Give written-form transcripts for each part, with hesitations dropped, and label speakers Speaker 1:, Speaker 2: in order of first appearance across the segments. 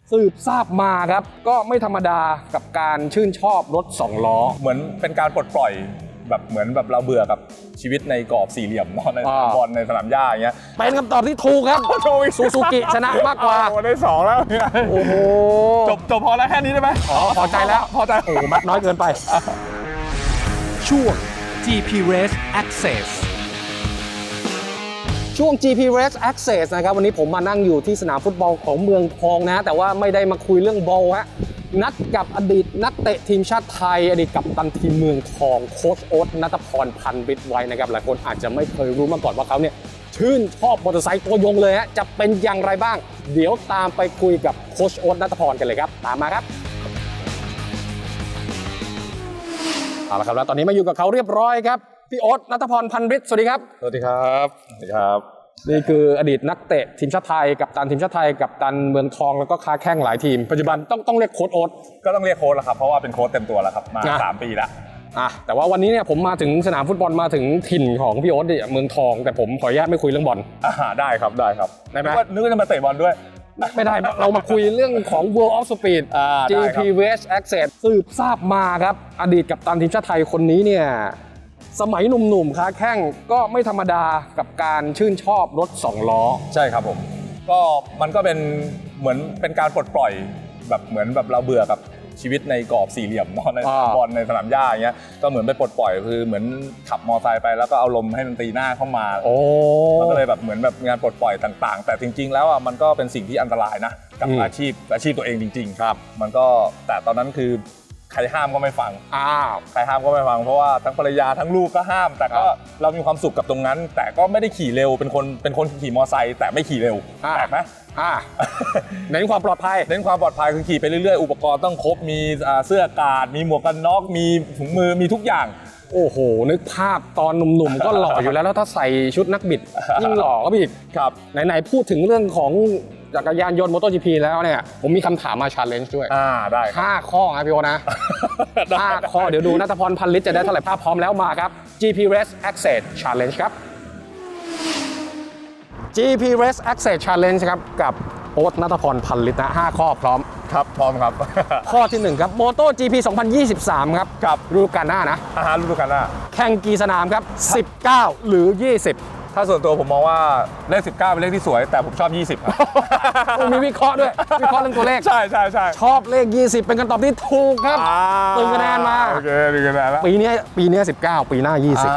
Speaker 1: สืบทราบมาครับก็ไม่ธรรมดากับการชื่นชอบรถ2ล้อ
Speaker 2: เหมือนเป็นการปลดปล่อยแบบเหมือนแบบเราเบื่อกับชีวิตในกรอบสี่เหลี่ยมเนาะในสนามบอลในสนามหญ้าอย่างเงี้ย
Speaker 1: เป็นคำตอบที่ถูกครับซูซูกิชนะมากกว่า
Speaker 2: ได้2แล้ว
Speaker 1: โอ้โห
Speaker 2: จบพอแล้วแค่นี้ได้ไหม
Speaker 1: พอใจแล้ว
Speaker 2: พอใจ
Speaker 1: โอ้มัดน้อยเกินไป
Speaker 3: ช่วง GP Race Access
Speaker 1: ช่วง GP Race Access นะครับวันนี้ผมมานั่งอยู่ที่สนามฟุตบอลของเมืองทองนะแต่ว่าไม่ได้มาคุยเรื่องบอลฮะนัดกับอดีตนักเตะทีมชาติไทยอดีตกัปตันทีมเมืองทองโค้ชโอ๊ตณัฐพร พันวิทย์ไว้นะครับหลายคนอาจจะไม่เคยรู้มาก่อนว่าเขาเนี่ยชื่นชอบมอเตอร์ไซค์ตัวยงเลยฮะจะเป็นอย่างไรบ้างเดี๋ยวตามไปคุยกับโค้ชโอ๊ตณัฐพรกันเลยครับตามมาครับเอาละครับแล้วตอนนี้มาอยู่กับเขาเรียบร้อยครับพี่โอ๊ตณัฐพร พันวิทย์สวัสดีครับ
Speaker 2: สวัสดีครับสวัสดีครับ
Speaker 1: นี่คืออดีตนักเตะทีมชาติไทยกัปตันทีมชาติไทยกัปตันเมืองทองแล้วก็ค้าแข้งหลายทีมปัจจุบันต้องเรียกโค้ชโอ๊ต
Speaker 2: ก็ต้องเรียกโค้ชแล้วครับเพราะว่าเป็นโค้ชเต็มตัวแล้วครับมา3 ปีแล้ว
Speaker 1: แต่ว่าวันนี้เนี่ยผมมาถึงสนามฟุตบอลมาถึงถิ่นของพี่โอ๊ตเนี่ยเมืองทองแต่ผมขออนุญาตไม่คุยเรื่องบอล
Speaker 2: ได้ครับได้
Speaker 1: ไหม
Speaker 2: นึกว่าจะมาเตะบอลด้วย
Speaker 1: ไม่ได้เรามาคุยเรื่องของ World of Speed GP Race Access สืบทราบมาครับอดีตกัปตันทีมชาติไทยคนนี้เนี่ยสมัยหนุ่มๆค้าแข้งก็ไม่ธรรมดากับการชื่นชอบรถ2ล้อ
Speaker 2: ใช่ครับผมก็มันก็เป็นเหมือนเป็นการปลดปล่อยแบบเหมือนแบบเราเบื่อกับชีวิตในกรอบสี่เหลี่ยมเนาะในสนามบอลในสนามหญ้าอย่างเงี้ยก็เหมือนไปปลดปล่อยคือเหมือนขับมอเตอร์ไซค์ไปแล้วก็เอาลมให้มันตีหน้าเข้ามามันก็เลยแบบเหมือนแบบงานปลดปล่อยต่างๆแต่จริงๆแล้วอ่ะมันก็เป็นสิ่งที่อันตรายนะกับอาชีพตัวเองจริงๆครับมันก็แต่ตอนนั้นคือใครห้ามก็ไม่ฟังใครห้ามก็ไม่ฟังเพราะว่าทั้งภรรยาทั้งลูกก็ห้ามแต่ก็เรามีความสุขกับตรงนั้นแต่ก็ไม่ได้ขี่เร็วเป็นคนขี่มอเตอร์ไซค์แต่ไม่ขี่เร็วแปลกไหม
Speaker 1: เน้นความปลอดภัย
Speaker 2: คือขี่ไปเรื่อยๆอุปกรณ์ต้องครบมีเสื้ออากาศมีหมวกกันน็อกมีถุงมือมีทุกอย่าง
Speaker 1: โอ้โหนึกภาพตอนหนุ่มๆก็หล่ออยู่แล้วถ้าใส่ชุดนักบิดยิ่งหล่อก็อีก
Speaker 2: ครับ
Speaker 1: ไหนๆพูดถึงเรื่องของจักรยานยนต์ MotoGP แล้วเนี่ยผมมีคำถามมา challenge ด้วย
Speaker 2: ได้
Speaker 1: 5 ข้อนะพี่โอนะ5 ข้อเดี๋ยวดูณัฐพร พันลิตรจะได้เท่าไหร่ภาพพร้อมแล้วมาครับ GP Race Access Challenge ครับ GP Race Access Challenge ครับกับโอ๊ตณัฐพร พันลิตรนะ5 ข้อพร้อม
Speaker 2: ครับพร้อมครับ
Speaker 1: ข้อที่1ครับ MotoGP 2023ครับฤดูกาลหน้านะ
Speaker 2: ฤดูกาลหน้า
Speaker 1: แข่งกี่สนามครับ19หรือ20
Speaker 2: ถ้าส่วนตัวผมมองว่าเลข19เป็นเลขที่สวยแต่ผมชอบ20ครับ
Speaker 1: มีวิเคราะห์ด้วยวิเคราะห์เรื่องตัวเลข
Speaker 2: ใช่
Speaker 1: ชอบเลข20เป็นคำตอบที่ถูกครับตึงคะแนนมา
Speaker 2: โอเคตึงคะแนนแล้ว
Speaker 1: ปีนี้19ปีหน้า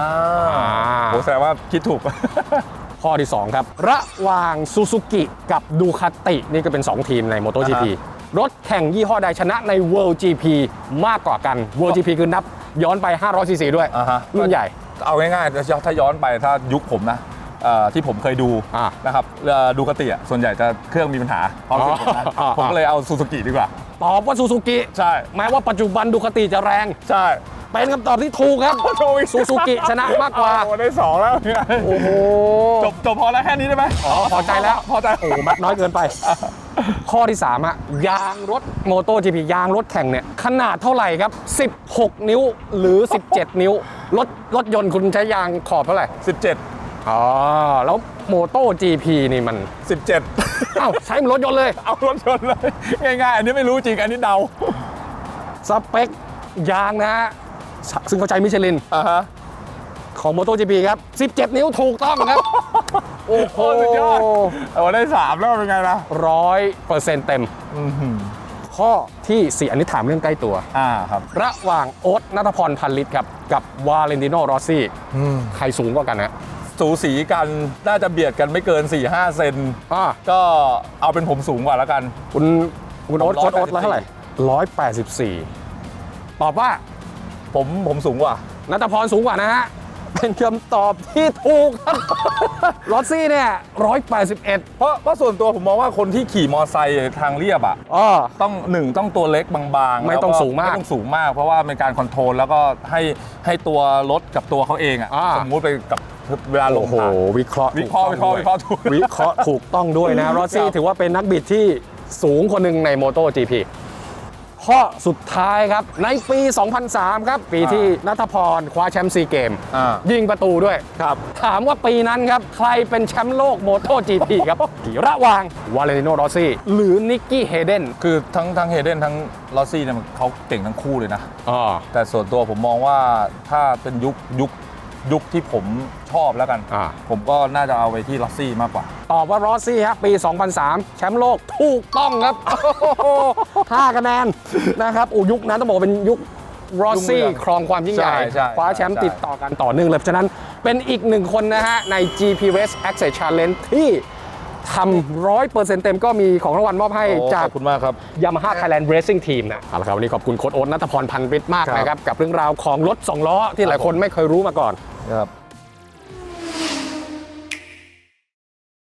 Speaker 1: 20
Speaker 2: โหแสดงว่าคิดถูก
Speaker 1: ข้อที่2ครับระหว่างซูซูกิกับดูคาตินี่ก็เป็น2ทีมใน MotoGP รถแข่งยี่ห้อใดชนะใน World GP มากกว่ากัน World GP คือนับย้อนไป500 cc ด้วยรุ่นใหญ่
Speaker 2: เอาง่ายๆถ้าย้อนไปถ้ายุคผมนะที่ผมเคยดูนะครับดูคาติส่วนใหญ่จะเครื่องมีปัญหาผมก็เลยเอาซูซูกิดีกว่า
Speaker 1: ตอบว่าซูซูกิ
Speaker 2: ใช่
Speaker 1: แม้ว่าปัจจุบันดูคาติจะแรง
Speaker 2: ใช่
Speaker 1: เป็นคำตอบที่ถูกครับซูซูกิชนะมากกว่า
Speaker 2: ได้2แล้ว
Speaker 1: โอ้โห
Speaker 2: จบพอแล้วแค่นี้ได้ไหม
Speaker 1: พอใจแล้ว
Speaker 2: พอใจ
Speaker 1: โอ้มัดน้อยเกินไปข้อที่3ยางรถโมโต GP ยางรถแข่งเนี่ยขนาดเท่าไหร่ครับ16 นิ้วหรือ17 นิ้วรถยนต์คุณใช้ยางขอบเท่าไหร่17แล้วโมโต GP นี่มัน17ใช้รถยนต์เลย
Speaker 2: เอารถยนต์เลยง่ายๆอันนี้ไม่รู้จริงอันนี้เดา
Speaker 1: สเปคยางนะฮะซึ่งเขาใช้มิชลินของ MotoGP ครับ17 นิ้วถูกต้องครับโอ้โห
Speaker 2: สุดยอดได้3แล้วเป็นไงล่ะ
Speaker 1: 100%เต็มข้อที่4อันนี้ถามเรื่องใกล้ตัว
Speaker 2: ครับ
Speaker 1: ระหว่างโอ๊ตณัฐพร พันลิตรครับกับวาเลนติโน รอสซี่ใครสูงกว่ากันนะ
Speaker 2: สูสีกันน่าจะเบียดกันไม่เกิน 4-5 เซนก็เอาเป็นผมสูงกว่าแล้วกัน
Speaker 1: คุณโอ๊ตเท่าไหร่184ตอบว่า
Speaker 2: ผมสูงกว่า
Speaker 1: ณัฐพรสูงกว่านะฮะเป็นคำตอบที่ถูกครับรอสซี่เนี่ย181
Speaker 2: เพราะส่วนตัวผมมองว่าคนที่ขี่มอไซค์ทางเรียบต้องตัวเล็กบางๆ
Speaker 1: ไม่ต้องสูงมาก
Speaker 2: เพราะว่าเป็นการคอนโทรลแล้วก็ให้ตัวรถกับตัวเขาเองสมมุติไปกับเวลาลงทาง
Speaker 1: วิเคราะห์ถูกต้องด้วยนะรอสซี่ถือว่าเป็นนักบิดที่สูงคนหนึ่งใน MotoGP ข้ข้อสุดท้ายครับในปี 2003 ครับปีที่ณัฐพรคว้าแชมป์ซีเกม ยิงประตูด้วยครับถามว่าปีนั้นครับใครเป็นแชมป์โลกโมโต GP ครับ ระหว่างวาเลนติโนรอสซี่หรือนิกกี้เฮเดน
Speaker 2: คือทั้งเฮเดนทั้งลอสซี่เนี่ยเขาเก่งทั้งคู่เลยนะ แต่ส่วนตัวผมมองว่าถ้าเป็นยุคที่ผมชอบแล้วกัน ผมก็น่าจะเอาไปที่ลอสซี่มากกว่า
Speaker 1: ตอบว่ารอสซี่ครับปี 2003 แชมป์โลกถูกต้องครับ 5 คะแนนนะครับยุคนั้นต้องบอกว่าเป็นยุครอสซี่ครองความยิ่งใหญ่
Speaker 2: ใช่
Speaker 1: คว้าแชมป์ติดต่อกันต่อเนื่องเลยเพราะฉะนั้นเป็นอีกหนึ่งคนนะฮะใน GP Race Access Challenge ที่ทำ 100% เต็มก็มีของรางวัลมอบให้จาก
Speaker 2: ขอบคุณมากครับ
Speaker 1: Yamaha Thailand Racing Team นะเอาละครับวันนี้ขอบคุณโค้ชโอ๊ตณัฐพร พันวิทย์มากนะครับกับเรื่องราวของรถ2 ล้อที่หลายคนไม่เคยรู้มาก่อน
Speaker 2: ครับ